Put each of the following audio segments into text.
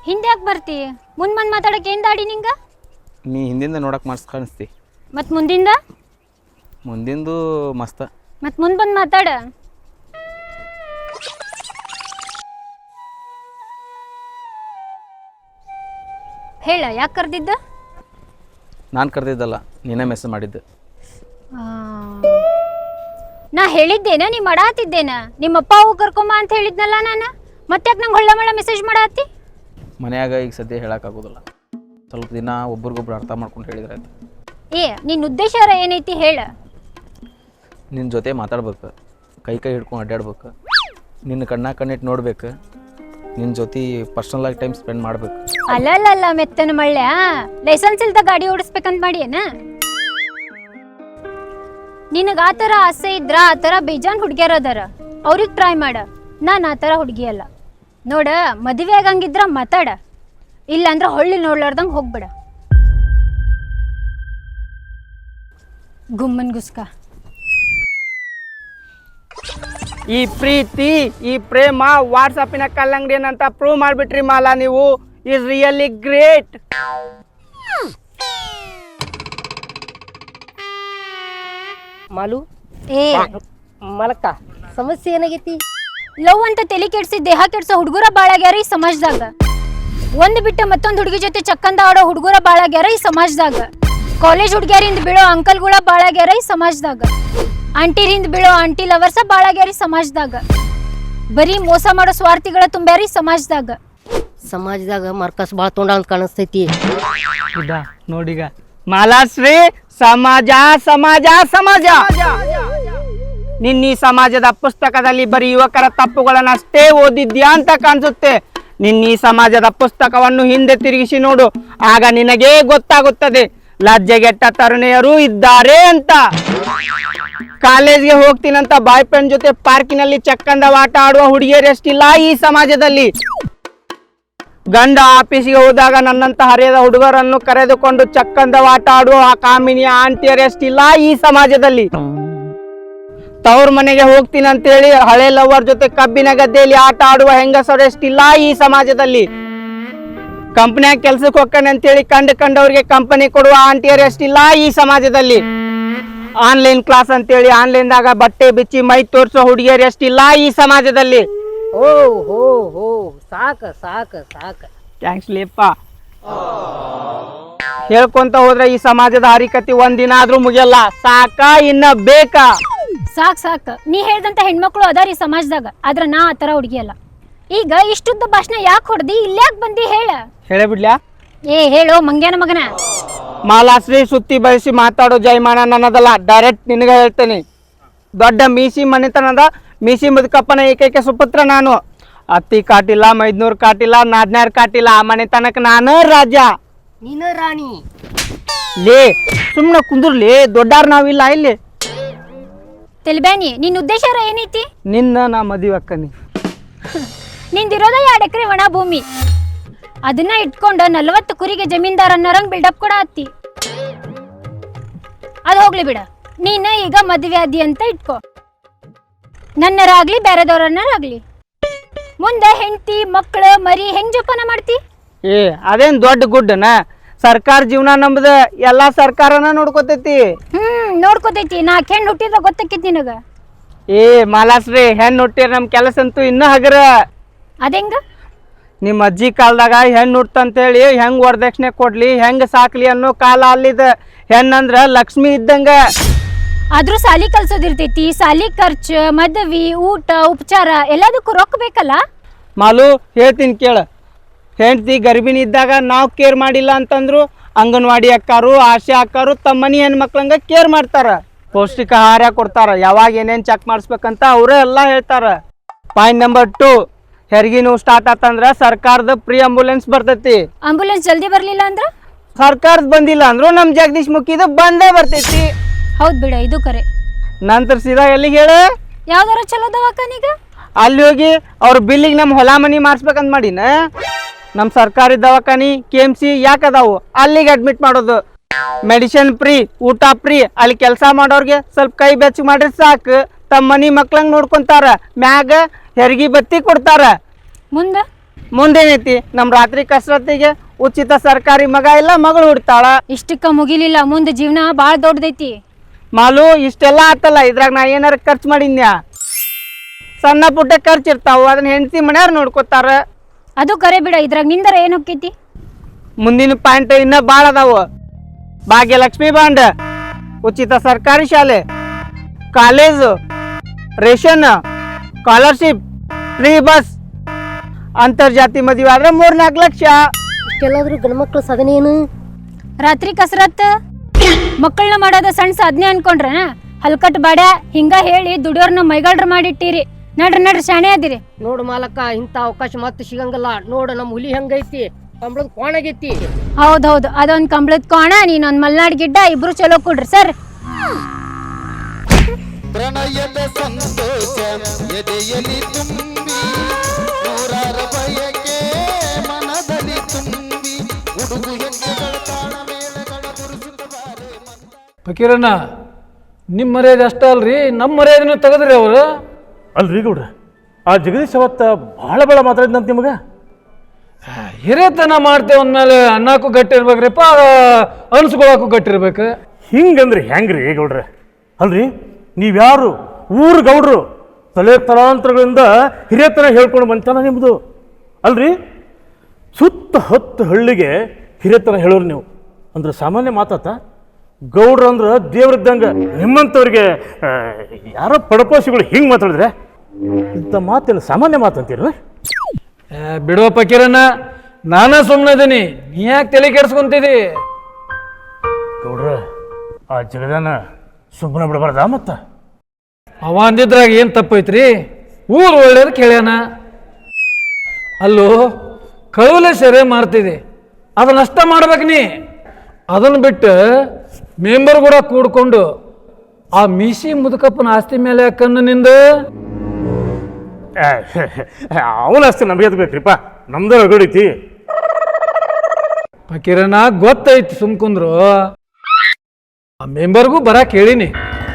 ಹಿಂದೆ ಯಾಕೆ ಬರ್ತಿ? ಮುಂದೆ ಮಾತಾಡಕ್ಕೆ ಏನು ದಾಡಿ ನಿಂಗೆ? ನೀ ಹಿಂದಿಂದ ನೋಡಕ್ಕೆ ಮಸ್ತ್ ಕಾಣಿಸ್ತಿ. ಮತ್ತು ಮುಂದಿಂದ? ಮುಂದಿಂದು ಮಸ್ತ. ಮತ್ತು ಮುಂದೆ ಬಂದು ಮಾತಾಡ. ಹೇಳ, ಯಾಕೆ ಕರೆದಿದ್ದ? ನಾನು ಕರೆದಿದ್ದಲ್ಲ, ನೀನೇ ಮೆಸೇಜ್ ಮಾಡಿದ್ದೆ. ನಾ ಹೇಳಿದ್ದೇನ ನೀ ಮಾಡಾತಿದ್ದೇನ? ನಿಮ್ಮಪ್ಪ ಅವು ಕರ್ಕೊಂಬ ಅಂತ ಹೇಳಿದ್ನಲ್ಲ ನಾನು. ಮತ್ತೆ ಯಾಕೆ ನಂಗೆ ಹೊಳ್ಳ ಮೆಸೇಜ್ ಮಾಡಾತಿ? ಮನ್ಯಾಗ ಈಗ ಸದ್ಯ ಹೇಳೋಕ್ಕಾಗೋದಿಲ್ಲ. ಸ್ವಲ್ಪ ದಿನ ಒಬ್ರಿಗೊಬ್ರು ಅರ್ಥ ಮಾಡ್ಕೊಂಡು ಹೇಳಿದ್ರೆ ಆಯ್ತು. ನಿನ್ನ ಉದ್ದೇಶ ಏನೈತಿ ಹೇಳ. ನಿನ್ನ ಜೊತೆ ಮಾತಾಡ್ಬೇಕು, ಕೈ ಹಿಡ್ಕೊಂಡು ಅಡ್ಡಾಡ್ಬೇಕು, ನಿನ್ನ ಕಣ್ಣಿಟ್ಟು ನೋಡ್ಬೇಕು, ನಿನ್ನ ಜೊತೆ ಪರ್ಸನಲಾಗಿ ಟೈಮ್ ಸ್ಪೆಂಡ್ ಮಾಡ್ಬೇಕು. ಅಲ್ಲಲ್ಲ ಮೆತ್ತನ ಮಳ್ಳೆ, ಲೈಸೆನ್ಸ್ ಇಲ್ದ ಗಾಡಿ ಓಡಿಸ್ಬೇಕಂತ ಮಾಡಿ ಏನ? ನಿನಗೆ ಆ ಥರ ಆಸೆ ಇದ್ರ ಆ ಥರ ಬೇಜಾನ್ ಹುಡುಗಿಯರ ಅದಾರ, ಅವ್ರಿಗೆ ಟ್ರೈ ಮಾಡ. ನಾನು ಆ ಥರ ಹುಡುಗಿ ಅಲ್ಲ ನೋಡ. ಮದುವೆ ಆಗಂಗಿದ್ರ ಮಾತಾಡ, ಇಲ್ಲ ಅಂದ್ರೆ ಹೊಳ್ಳಿ ನೋಡ್ಲಾರ್ದಂಗೆ ಹೋಗ್ಬೇಡ. ಗುಮ್ಮನ್ ಗುಸ್ಕ. ಈ ಪ್ರೀತಿ ಈ ಪ್ರೇಮ ವಾಟ್ಸಪ್ಪಿನ ಕಲ್ಲಂಗಡಿ ಏನಂತ ಪ್ರೂವ್ ಮಾಡಿಬಿಟ್ರಿ ಮಾಲಾ. ನೀವು ಈಸ್ ರಿಯಲಿ ಗ್ರೇಟ್. ಮಾಲು ಮಲಕ್ಕ ಸಮಸ್ಯೆ ಏನಾಗೈತಿ? ಲವ್ ಅಂತ ತಲೆ ಕೆಡ್ಸಿ ದೇಹ ಕೆಡ್ಸೋ ಹುಡುಗರ ಬಾಳಾಗ್ಯಾರ ಈ ಸಮಾಜದಾಗ. ಒಂದು ಬಿಟ್ಟು ಮತ್ತೊಂದು ಹುಡುಗಿ ಜೊತೆ ಚಕ್ಕಂದ ಆಡೋ ಹುಡುಗರ ಬಾಳಾಗ್ಯಾರ ಈ ಸಮಾಜದಾಗ. ಕಾಲೇಜ್ ಹುಡುಗಿಯರಿಂದ ಬೀಳೋ ಅಂಕಲ್ಗಳ ಬಾಳಾಗ್ಯಾರ ಈ ಸಮಾಜದಾಗ. ಆಂಟಿರಿಂದ ಬೀಳೋ ಆಂಟಿ ಲವರ್ಸ ಬಾಳಾಗ್ಯಾರ ಈ ಸಮಾಜದಾಗ. ಬರೀ ಮೋಸ ಮಾಡೋ ಸ್ವಾರ್ಥಿಗಳ ತುಂಬ್ಯಾರ ಈ ಸಮಾಜದಾಗ. ಸಮಾಜದಾಗ ಮರ್ಕಸ್ ಭಾಳ ತೊಂಡ ಅಂತ ಕಾಣಿಸ್ತೈತಿ. ನೋಡಿಗ ಮಾಲಾಶ್ರೀ, ಸಮಾಜ ಸಮಾಜ ಸಮಾಜ. ನಿನ್ನ ಸಮಾಜದ ಪುಸ್ತಕದಲ್ಲಿ ಬರೀ ಯುವಕರ ತಪ್ಪುಗಳನ್ನಷ್ಟೇ ಓದಿದ್ಯಾ ಅಂತ ಕಾಣಿಸುತ್ತೆ. ನಿನ್ನ ಸಮಾಜದ ಪುಸ್ತಕವನ್ನು ಹಿಂದೆ ತಿರುಗಿಸಿ ನೋಡು, ಆಗ ನಿನಗೇ ಗೊತ್ತಾಗುತ್ತದೆ ಲಜ್ಜೆಗೆಟ್ಟ ತರುಣಿಯರು ಇದ್ದಾರೆ ಅಂತ. ಕಾಲೇಜ್ಗೆ ಹೋಗ್ತೀನಂತ ಬಾಯ್ ಫ್ರೆಂಡ್ ಜೊತೆ ಪಾರ್ಕಿನಲ್ಲಿ ಚಕ್ಕಂದ ಆಟ ಆಡುವ ಹುಡುಗಿಯರು ಎಷ್ಟಿಲ್ಲ ಈ ಸಮಾಜದಲ್ಲಿ. ಗಂಡ ಆಫೀಸಿಗೆ ಹೋದಾಗ ನನ್ನಂತ ಹರಿಯದ ಹುಡುಗರನ್ನು ಕರೆದುಕೊಂಡು ಚಕ್ಕಂದ ಆಟ ಆಡುವ ಕಾಮಿನಿಯ ಆಂಟಿಯರು ಎಷ್ಟಿಲ್ಲ ಈ ಸಮಾಜದಲ್ಲಿ. ತವ್ರ ಮನೆಗೆ ಹೋಗ್ತೀನಿ ಅಂತೇಳಿ ಹಳೆ ಲವರ್ ಜೊತೆ ಕಬ್ಬಿನ ಗದ್ದೆಯಲ್ಲಿ ಆಟ ಆಡುವ ಹೆಂಗಸರು ಎಷ್ಟಿಲ್ಲ ಈ ಸಮಾಜದಲ್ಲಿ. ಕಂಪನಿಯಾಗ ಕೆಲ್ಸಕ್ಕೆ ಹೋಗ್ತಾನೆ ಅಂತೇಳಿ ಕಂಡವ್ರಿಗೆ ಕಂಪನಿ ಕೊಡುವ ಆಂಟಿಯರು ಎಷ್ಟಿಲ್ಲ ಈ ಸಮಾಜದಲ್ಲಿ. ಆನ್ಲೈನ್ ಕ್ಲಾಸ್ ಅಂತೇಳಿ ಆನ್ಲೈನ್ದಾಗ ಬಟ್ಟೆ ಬಿಚ್ಚಿ ಮೈ ತೋರಿಸೋ ಹುಡುಗಿಯರು ಎಷ್ಟಿಲ್ಲ ಈ ಸಮಾಜದಲ್ಲಿ. ಓ ಹೋ ಹೋ ಸಾಕ ಸಾಕ ಸಾಕ. ಥ್ಯಾಂಕ್ಸ್ ಲೇಪ್ಪ. ಹೇಳ್ಕೊಂತ ಹೋದ್ರೆ ಈ ಸಮಾಜದ ಹರಿಕತಿ ಒಂದಿನ ಆದ್ರೂ ಮುಗಿಯಲ್ಲ. ಸಾಕ ಇನ್ನ ಬೇಕಾ? ಸಾಕ್. ನೀ ಹೇಳ್ದಂತ ಹೆಣ್ಮಕ್ಳು ಅದಾರ ಈ ಸಮಾಜದಾಗ, ಆದ್ರ ನಾ ಆ ಥರ ಹುಡುಗಿ ಅಲ್ಲ. ಈಗ ಇಷ್ಟುದ್ದ ಭಾಷಣ ಯಾಕೆ ಹೊಡ್ದಿ? ಇಲ್ಯಾಕ್ ಬಂದಿ ಹೇಳ. ಹೇಳೇ ಬಿಡ್ಲ್ಯಾ? ಹೇಳೋ ಮಂಗ್ಯಾನ ಮಗನ. ಮಾಲಾಶ್ರೀ, ಸುತ್ತಿ ಬಯಸಿ ಮಾತಾಡೋ ಜೈಮಾನ ನನ್ನದಲ್ಲ, ಡೈರೆಕ್ಟ್ ನಿನಗೆ ಹೇಳ್ತೇನೆ. ದೊಡ್ಡ ಮೀಸಿ ಮನೆತನದ ಮೀಸಿ ಮುದುಕಪ್ಪನ ಏಕೈಕ ಸುಪುತ್ರ ನಾನು. ಅತ್ತಿ ಕಾಟಿಲ್ಲ, ಮೈದ್ನೂರ್ ಕಾಟಿಲ್ಲ, ನಾದ್ನಾರ್ ಕಾಟಿಲ್ಲ, ಆ ಮನೆತನಕ್ಕೆ ನಾನು ರಾಜ. ನೀನ ರಾಣಿ. ಲೇ ಸುಮ್ಮನೆ ಕುಂದ್ರಲಿ, ದೊಡ್ಡಾರ ನಾವಿಲ್ಲ ಇಲ್ಲಿ. ತೆಲ್ಬ್ಯಾನಿ, ನಿನ್ನ ಉದ್ದೇಶ ಏನೈತಿ? ನಿನ್ನ ನಾ ಮದುವೆ ಅಕ್ಕನಿ. ನಿಂದಿರೋದ 2 ಎಕರೆ ಒಣ ಭೂಮಿ, ಅದನ್ನ ಇಟ್ಕೊಂಡು 40 ಕುರಿಗೆ ಜಮೀನ್ದಾರ್ ಅನ್ನೋರಂಗ್ ಬಿಲ್ಡಪ್ ಕೂಡ ಹತ್ತಿ. ಅದು ಹೋಗ್ಲಿ ಬಿಡ. ನೀನ ಈಗ ಮದುವೆ ಆದಿ ಅಂತ ಇಟ್ಕೋ. ನನ್ನರಾಗ್ಲಿ ಬೇರೆದವ್ರನ್ನಾಗ್ಲಿ ಮುಂದೆ ಹೆಂಡತಿ ಮಕ್ಕಳು ಮರಿ ಹೆಂಗ್ ಜೋಪಾನ ಮಾಡ್ತಿ? ಅದೇನ್ ದೊಡ್ಡ ಗುಡ್ಡನ? ಸರ್ಕಾರ ಜೀವನ ನಮ್ದ, ಎಲ್ಲಾ ಸರ್ಕಾರನ ನೋಡ್ಕೊತೈತಿ. ನೋಡ್ಕೋತೈತಿ. 4 ಹೆಣ್ಣು ಹುಟ್ಟಿದ್ರ ಗೊತ್ತಕ್ಕಿತ್ ನಿನಗ? ಮಾಲಾಶ್ರೀ, ಹೆಣ್ಣು ಹುಟ್ಟಿರ ನಮ್ ಕೆಲಸ ಅಂತೂ ಇನ್ನ ಹಗರ. ಅದೆಂಗ? ನಿಮ್ಮ ಅಜ್ಜಿ ಕಾಲದಾಗ ಹೆಣ್ಣು ಹುಟ್ಟಂತೇಳಿ ಹೆಂಗ್ ವರದಕ್ಷಿಣೆ ಕೊಡ್ಲಿ, ಹೆಂಗ್ ಸಾಕ್ಲಿ ಅನ್ನೋ ಕಾಲ ಅಲ್ಲಿದ. ಹೆಣ್ಣಂದ್ರ ಲಕ್ಷ್ಮಿ ಇದ್ದಂಗ. ಆದ್ರೂ ಸಾಲಿ ಕಲ್ಸೋದಿರ್ತೈತಿ, ಸಾಲಿ ಖರ್ಚು, ಮದ್ವಿ, ಊಟ, ಉಪಚಾರ ಎಲ್ಲದಕ್ಕೂ ರೊಕ್ಕ ಬೇಕಲ್ಲ. ಮಾಲು, ಹೇಳ್ತೀನಿ ಕೇಳ. ಹೆಂಡತಿ ಗರ್ಭಿಣಿ ಇದ್ದಾಗ ನಾವು ಕೇರ್ ಮಾಡಿಲ್ಲ ಅಂತಂದ್ರು ಅಂಗನವಾಡಿ ಅಕ್ಕಾರು, ಆಶಾ ಅಕ್ಕಾರು ತಮ್ಮ ಮನಿ ಹೆಣ್ಮಕ್ಳಂಗ ಕೇರ್ ಮಾಡ್ತಾರ. ಪೌಷ್ಟಿಕ ಆಹಾರ ಕೊಡ್ತಾರ. ಯಾವಾಗ ಏನೇನ್ ಚೆಕ್ ಮಾಡಿಸ್ಬೇಕಂತ ಅವರೇ ಎಲ್ಲ ಹೇಳ್ತಾರ. ಪಾಯಿಂಟ್ ನಂಬರ್ 2, ಹೆರಿಗೆ ನೋವು ಸ್ಟಾರ್ಟ್ ಆತಂದ್ರ ಸರ್ಕಾರದ ಫ್ರೀ ಆಂಬುಲೆನ್ಸ್ ಬರ್ತೈತಿ. ಆಂಬುಲೆನ್ಸ್ ಜಲ್ದಿ ಬರ್ಲಿಲ್ಲ ಅಂದ್ರ? ಸರ್ಕಾರದ ಬಂದಿಲ್ಲ ಅಂದ್ರು ನಮ್ ಜಗದೀಶ್ ಮುಖಿದ ಬಂದೇ ಬರ್ತೈತಿ. ಹೌದ್ ಬಿಡ, ಇದು ಕರೆ. ನಂತರ ಸೀದಾ ಎಲ್ಲಿಗೆ ಹೇಳ? ಯಾವ್ದಾರ ಚಲೋ ದವಾಖಾನಿಗ ಅಲ್ಲಿ ಹೋಗಿ ಅವ್ರ ಬಿಲ್ಲಿಗೆ ನಮ್ಮ ಹೊಲ ಮನಿ ಮಾಡಿಸ್ಬೇಕಂತ ಮಾಡಿನ. ನಮ್ಮ ಸರ್ಕಾರಿ ದವಾಖಾನಿ KMC ಯಾಕದಾವು, ಅಲ್ಲಿಗೆ ಅಡ್ಮಿಟ್ ಮಾಡೋದು. ಮೆಡಿಸಿನ್ ಫ್ರೀ, ಊಟ ಫ್ರೀ. ಅಲ್ಲಿ ಕೆಲಸ ಮಾಡೋರ್ಗೆ ಸ್ವಲ್ಪ ಕೈ ಬೆಚ್ಚ ಮಾಡ್ರಿ ಸಾಕು, ತಮ್ಮ ಮನಿ ಮಕ್ಳಂಗ್ ನೋಡ್ಕೊಂತಾರ. ಮ್ಯಾಗ ಹೆರಿಗೆ ಬತ್ತಿ ಕೊಡ್ತಾರ. ಮುಂದ ಮುಂದೇನೈತಿ ನಮ್ಮ ರಾತ್ರಿ ಕಸರತ್ತಿಗೆ ಉಚಿತ ಸರ್ಕಾರಿ ಮಗ ಇಲ್ಲ ಮಗಳು ಹುಡ್ತಾಳ. ಇಷ್ಟಕ್ಕ ಮುಗಿಲಿಲ್ಲ, ಮುಂದೆ ಜೀವನ ಭಾಳ ದೊಡ್ಡದೈತಿ. ಮಾಲು ಇಷ್ಟೆಲ್ಲ ಆತಲ್ಲ, ಇದ್ರಾಗ ನಾ ಏನಾರ ಖರ್ಚು ಮಾಡಿದ್ನ್ಯಾ? ಸಣ್ಣ ಪುಟ್ಟ ಖರ್ಚು ಇರ್ತಾವ, ಅದನ್ನ ಹೆಂಡತಿ ಮನೆಯವ್ರು ನೋಡ್ಕೊತಾರ. ಅದು ಕರೆ ಬಿಡ, ಇದ್ರಾಗ ನಿಂದರ ಏನ್ ಹೋಕ್ಕೈತಿ? ಮುಂದಿನ ಪಾಯಿಂಟ್ ಇನ್ನ ಭಾಳ ಅದಾವು. ಭಾಗ್ಯಲಕ್ಷ್ಮಿ ಬಾಂಡ್, ಉಚಿತ ಸರ್ಕಾರಿ ಶಾಲೆ, college, ration, scholarship, free bus, ಅಂತರ್ಜಾತಿ ಮದುವೆ ಆದ್ರೆ 3-4 ಲಕ್ಷ. ಇಷ್ಟೆಲ್ಲಾದ್ರೂ ಗಂಡ್ಮಕ್ಳು ಸಾಧನೆ ಏನು? ರಾತ್ರಿ ಕಸರತ್ ಮಕ್ಕಳನ್ನ ಮಾಡೋದ ಸಣ್ಣ ಸಾಧನೆ ಅನ್ಕೊಂಡ್ರ? ಹಲ್ಕಟ್ ಬಾಡ ಹಿಂಗ ಹೇಳಿ ದುಡಿಯೋರ್ನ ಮೈಗಾಳ್ರ ಮಾಡಿಟ್ಟಿರಿ. ನಡ್ರಿ ಶಾಣೆ ಅದಿರಿ. ನೋಡು ಮಾಲಕ್ಕ, ಇಂಥ ಅವಕಾಶ ಮತ್ತೆ ಸಿಗಂಗಿಲ್ಲ. ನೋಡು ನಮ್ಮ ಹುಲಿ ಹೆಂಗೈತಿ, ಕಂಬಳದ ಕೋಣಗೈತಿ. ಹೌದೌದು, ಅದೊಂದ್ ಕಂಬಳದ ಕೋಣ, ನೀನೊಂದ್ ಮಲ್ನಾಡ್ ಗಿಡ್ಡ, ಇಬ್ರು ಚಲೋ ಕೊಡ್ರಿ ಸರ್. ಪ್ರಣಯದ ಸಂತೋಷ ಎದೆಯಲ್ಲಿ ತುಂಬಿ ನೂರಾರ ಬಯಕೆ ಮನದಲ್ಲಿ ತುಂಬಿ ಹುಡುಗು ಹೆಜ್ಜೆಗಳ ತಾಳ ಮೇಳಗಳ ಗುರುಸುತ್ತಬಾರೆ ಫಕೀರಣ್ಣ, ನಿಮ್ಮ ಮರ್ಯಾದೆ ಅಷ್ಟ ಅಲ್ರಿ, ನಮ್ಮ ಮರ್ಯಾದೆನೂ ತೆಗೆದ್ರಿ ಅವರು. ಅಲ್ರಿ ಗೌಡ್ರ, ಆ ಜಗದೀಶ್ ಅವತ್ತ ಭಾಳ ಭಾಳ ಮಾತಾಡಿದಂತ ನಿಮಗೆ. ಹಿರೇತನ ಮಾಡ್ತೇವೆ ಅಂದಮೇಲೆ ಅನ್ನಕ್ಕೂ ಗಟ್ಟಿ ಇರ್ಬೇಕ್ರಿಪ್ಪ, ಅನ್ಸ್ಕೊಳಕ್ಕೂ ಗಟ್ಟಿರ್ಬೇಕು. ಹಿಂಗಂದ್ರೆ ಹೆಂಗ್ರಿ ಗೌಡ್ರ? ಅಲ್ರಿ, ನೀವ್ಯಾರು ಊರು ಗೌಡ್ರು, ತಲೆ ತಲಾಂತರಗಳಿಂದ ಹಿರಿಯತನ ಹೇಳ್ಕೊಂಡು ಬಂತಾನ ನಿಮ್ಮದು. ಅಲ್ರಿ, ಸುತ್ತ 10 ಹಳ್ಳಿಗೆ ಹಿರಿಯತನ ಹೇಳೋರು ನೀವು ಅಂದ್ರೆ ಸಾಮಾನ್ಯ ಮಾತಾತ? ಗೌಡ್ರು ಅಂದ್ರೆ ದೇವ್ರಿದ್ದಂಗೆ. ನಿಮ್ಮಂಥವ್ರಿಗೆ ಯಾರೋ ಪಡಪೋಸಿಗಳು ಹಿಂಗೆ ಮಾತಾಡಿದ್ರೆ ಇಂಥ ಮಾತೇನು ಸಾಮಾನ್ಯ ಮಾತಂತೀರ? ಬಿಡುವ ಫಕೀರಣ್ಣ, ನಾನೇ ಸುಮ್ಮನೆ ಇದೀನಿ, ನೀ ಯಾಕೆ ತಲೆ ಕೆಡ್ಸ್ಕೊಂತಿದಿ? ಗೌಡ್ರ, ಆ ಜಗದಾನ ಸುಮ್ಮನೆ ಬಿಡಬಾರ್ದ? ಮತ್ತ ಅವ ಅಂದಿದ್ರಾಗ ಏನು ತಪ್ಪೈತ್ರಿ? ಊರು ಒಳ್ಳೇದು ಕೇಳ್ಯಾನ. ಅಲ್ಲೋ, ಕಳುವಲೆ ಸೆರೆ ಮಾಡ್ತಿದೆ, ಅದನ್ನಷ್ಟ ಮಾಡ್ಬೇಕು ನೀ. ಅದನ್ನು ಬಿಟ್ಟು ಮೆಂಬರ್ ಕೂಡ ಕೂಡ್ಕೊಂಡು ಆ ಮೀಸಿ ಮುದುಕಪ್ಪನ ಆಸ್ತಿ ಮೇಲೆ ಕಣ್ಣು ನಿಂದ. ಅವನ ಅಷ್ಟೇ ನಮಗೆ ಬೇಕ್ರಿಪ್ಪ, ನಮ್ದು ಹೊಗಡೈತಿ. ಫಕೀರಣ್ಣ ಗೊತ್ತೈತಿ, ಸುಮ್ಕುಂದ್ರು. ಆ ಮೆಂಬರ್ಗೂ ಬರಕ್ಕೆ ಹೇಳಿನಿ.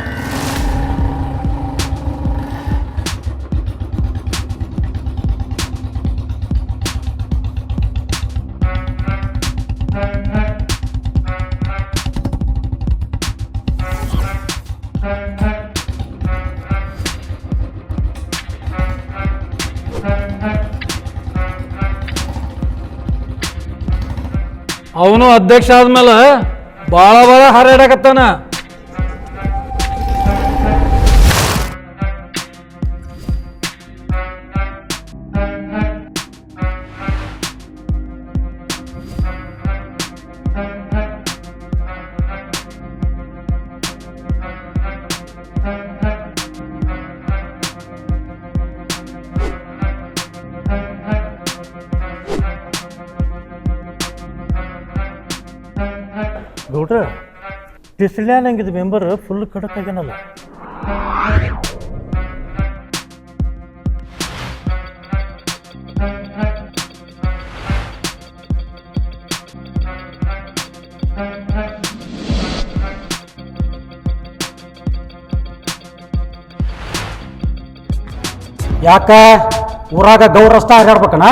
ಅವನು ಅಧ್ಯಕ್ಷ ಆದ್ಮೇಲೆ ಭಾಳ ಹಾರಾಡಕತ್ತಾನ. ಗೌಡ್ರ, ಡಿಸ್ಲ್ಯಾಂಡ್ ಮೆಂಬರ್ ಫುಲ್ ಕಡಕ್ ಆಗ್ಯಾನಲ್ಲ. ಯಾಕ ಊರಾಗ ಗೌರಸ್ತ ಹಾರಾಡ್ಬೇಕಣ?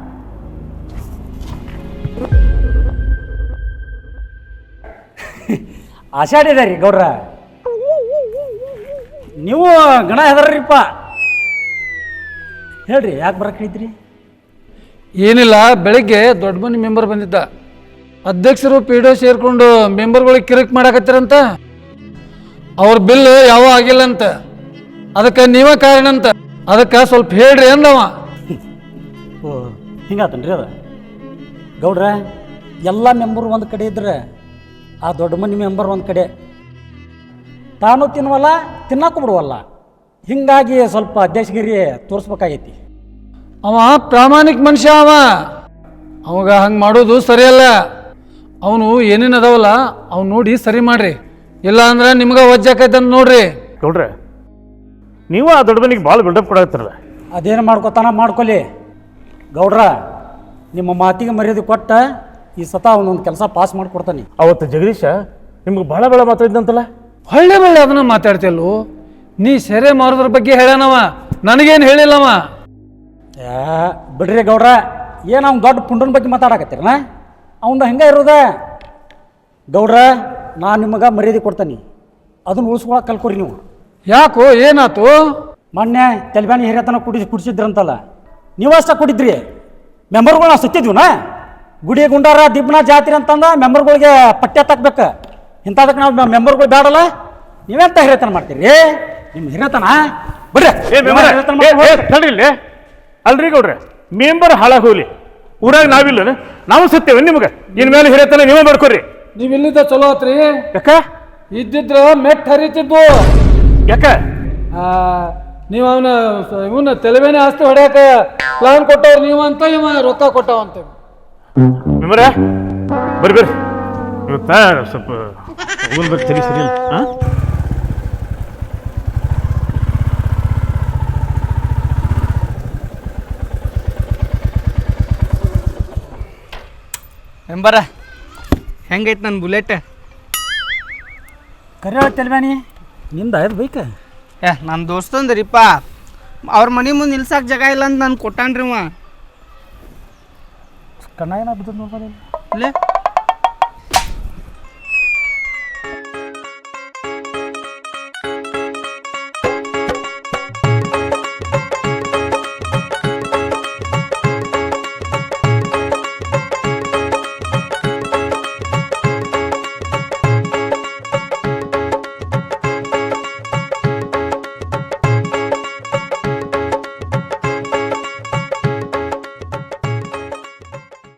ಆಷಾಢಿದೆ ರೀ ಗೌಡ್ರ, ನೀವು ಗಣ ಹೆದರ್ರಿಪ್ಪ. ಹೇಳ್ರಿ, ಯಾಕೆ ಬರಕ್ಕಿದ್ರಿ? ಏನಿಲ್ಲ, ಬೆಳಿಗ್ಗೆ ದೊಡ್ಡ ಮನೆ ಮೆಂಬರ್ ಬಂದಿದ್ದ. ಅಧ್ಯಕ್ಷರು PDO ಸೇರ್ಕೊಂಡು ಮೆಂಬರ್ಗಳಿಗೆ ಕಿರಿಕ್ ಮಾಡಾಕತ್ತಿರಂತ. ಅವ್ರ ಬಿಲ್ ಯಾವ ಆಗಿಲ್ಲ ಅಂತ, ಅದಕ್ಕೆ ನೀವೇ ಕಾರಣ ಅಂತ. ಅದಕ್ಕೆ ಸ್ವಲ್ಪ ಹೇಳ್ರಿ ಅಂದವ. ಓ, ಹಿಂಗಾತನ್ರಿ ಅದ? ಗೌಡ್ರ, ಎಲ್ಲ ಮೆಂಬರ್ ಒಂದು ಕಡೆ ಇದ್ರೆ ಆ ದೊಡ್ಡ ಮನೆ ಮೆಂಬರ್ ಒಂದು ಕಡೆ, ತಾನು ತಿನ್ನುವಲ್ಲ, ತಿನ್ನಕ್ಕೂ ಬಿಡುವಲ್ಲ. ಹಿಂಗಾಗಿ ಸ್ವಲ್ಪ ಅಧ್ಯಕ್ಷಗಿರಿ ತೋರಿಸ್ಬೇಕಾಗೈತಿ. ಅವ ಪ್ರಾಮಾಣಿಕ ಮನುಷ್ಯ, ಅವಾಗ ಹಂಗೆ ಮಾಡೋದು ಸರಿಯಲ್ಲ. ಅವನು ಏನೇನು ಅದಾವಲ್ಲ ಅವ್ನು ನೋಡಿ ಸರಿ ಮಾಡ್ರಿ, ಇಲ್ಲ ಅಂದ್ರೆ ನಿಮ್ಗೆ ವಜ್ಜಾಕೈತಂತ ನೋಡ್ರಿ. ಗೌಡ್ರೆ, ನೀವು ಆ ದೊಡ್ಡ ಮನೆಗೆ ಭಾಳ ಬಿಲ್ಡಪ್ ಕೊಡಾಕತ್ತಿರಲ್ಲ. ಅದೇನು ಮಾಡ್ಕೊತಾನ ಮಾಡ್ಕೊಲಿ. ಗೌಡ್ರ, ನಿಮ್ಮ ಮಾತಿಗೆ ಮರ್ಯಾದೆ ಕೊಟ್ಟ ಈ ಸತ ಅವನೊಂದು ಕೆಲಸ ಪಾಸ್ ಮಾಡಿಕೊಡ್ತಾನೆ. ಅವತ್ತು ಜಗದೀಶ ನಿಮ್ಗೆ ಭಾಳ ಭಾಳ ಮಾತಾಡಿದಂತಲ್ಲ. ಒಳ್ಳೆ ಒಳ್ಳೆ ಅದನ್ನ ಮಾತಾಡ್ತಿಯಲ್ಲು. ನೀ ಸೆರೆ ಮಾರೋದ್ರ ಬಗ್ಗೆ ಹೇಳ್ಯಾನವ, ನನಗೇನು ಹೇಳಿಲ್ಲವ. ಬಿಡ್ರಿ ಗೌಡ್ರ, ಏನು ಅವ್ನು ದೊಡ್ಡ ಪುಂಡನ ಬಗ್ಗೆ ಮಾತಾಡಕತ್ತೀರನ ಅವಂದು ಹಂಗೆ ಇರೋದ ಗೌಡ್ರ ನಾನು ನಿಮಗೆ ಮರ್ಯಾದೆ ಕೊಡ್ತಾನೆ ಅದನ್ನು ಉಳಿಸ್ಕೊಳಕ್ಕೆ ಕಲ್ಕೊರಿ ನೀವು. ಯಾಕೋ ಏನಾತು? ಮೊನ್ನೆ ತೆಲ್ಬ್ಯಾನಿ ಹಿರಿಯತನ ಕುಡಿಸಿದ್ರಂತಲ್ಲ, ನೀವಷ್ಟ ಕುಡಿದ್ರಿ. ಮೆಂಬರ್ಗಳು ನಾವು ಸತ್ತಿದ್ವಿನ ಗುಡಿ ಗುಂಡಾರ ದಿಬ್ನ ಜಾತ್ರೆ ಅಂತಂದ ಮೆಂಬರ್ಗಳಿಗೆ ಪಠ್ಯ ತಕ್ಬೇಕು. ಇಂಥದಕ್ಕೆ ನಾವು ಮೆಂಬರ್ಗಳು ಬೇಡಲ್ಲ, ನೀವೆಂತ ಹಿರಿಯತನ ಮಾಡ್ತೀರಿ? ನಿಮ್ಮ ಹಿರಿಯತನ ಬರ್ರಿ ತಡ್ರಿಲ್ಲ. ಅಲ್ರಿ ಗೌಡ್ರೆ, ಮೆಂಬರ್ ಹಾಳಾಗಿ ಹೋಗ್ಲಿ, ಊರಾಗ ನಾವಿಲ್ಲ, ನಾವು ಸತ್ತೇವೆ ನಿಮ್ಗೆ. ಇನ್ಮೇಲೆ ಹಿರಿಯತನ ನೀವೇ ಮಾಡ್ಕೊರಿ. ನೀವು ಇಲ್ಲಿದ್ದ ಚಲೋ ಆತ್ರಿ. ಯಾಕ ಇದ್ದಿದ್ರ ಮೆಟ್ ಹರಿತಿದ್ವು. ಯಾಕ ನೀವು ಇವನ್ನ ತೆಲವೇನೆ ಆಸ್ತಿ ಹೊಡ್ಯಾಕ ಪ್ಲಾನ್ ಕೊಟ್ಟವ್ರು ನೀವು ಅಂತ, ಇವ ರೊಕ್ಕ ಕೊಟ್ಟವ ಅಂತ. ಮೆಂಬರ ಬರ್ರಿ ಬರ್ರಿ, ಇವತ್ತ ಸ್ವಲ್ಪ ಹೋಗಲ್ ಬರ್ರಿ, ತಲೆ ಸರಿ ಇಲ್ಲ. ಹಾಂ ಮೆಂಬರ ಹೆಂಗೈತೆ ನನ್ನ ಬುಲೆಟ್? ಕರೆ ತೆಲ್ಬ್ಯಾನಿ ನಿಂದ ಆಯ್ತು ಬೈಕ? ನನ್ನ ದೋಸ್ತಂದ್ರಿಪ್ಪ, ಅವ್ರ ಮನೆ ಮುಂದೆ ನಿಲ್ಸಕ್ಕೆ ಜಾಗ ಇಲ್ಲ ಅಂತ ನಾನು ಕೊಟ್ಟಾನ್ರಿ ಅವ. ಕಣ್ಣ ಏನಾಗ್ಬಿಟ್ಟು ನೋಡ್ಬಾರ ಇಲ್ಲೇ